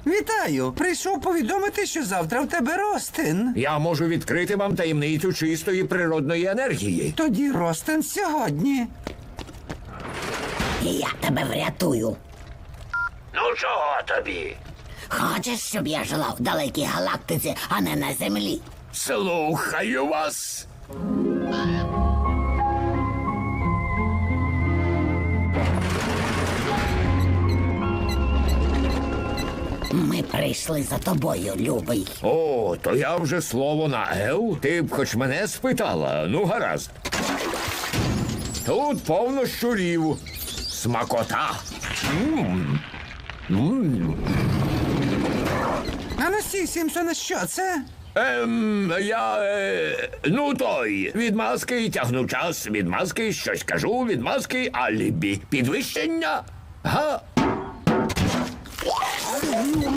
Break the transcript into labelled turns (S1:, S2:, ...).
S1: Вітаю! Прийшов повідомити, що завтра в тебе ростин.
S2: Я можу відкрити вам таємницю чистої природної енергії.
S1: Тоді ростин сьогодні.
S3: І я тебе врятую.
S2: Ну чого тобі?
S3: Хочеш, щоб я жила в далекій галактиці, а не на землі?
S2: Слухаю вас.
S3: Ми прийшли за тобою, любий.
S2: О, то я вже слово на «ев». Ти б хоч мене спитала. Ну, гаразд. Тут повно щурів. Смакота.
S1: А ну стій, Сімпсоне, що це?
S2: Ну той, від маски тягну час, від маски щось кажу, від маски алібі. Підвищення? Га?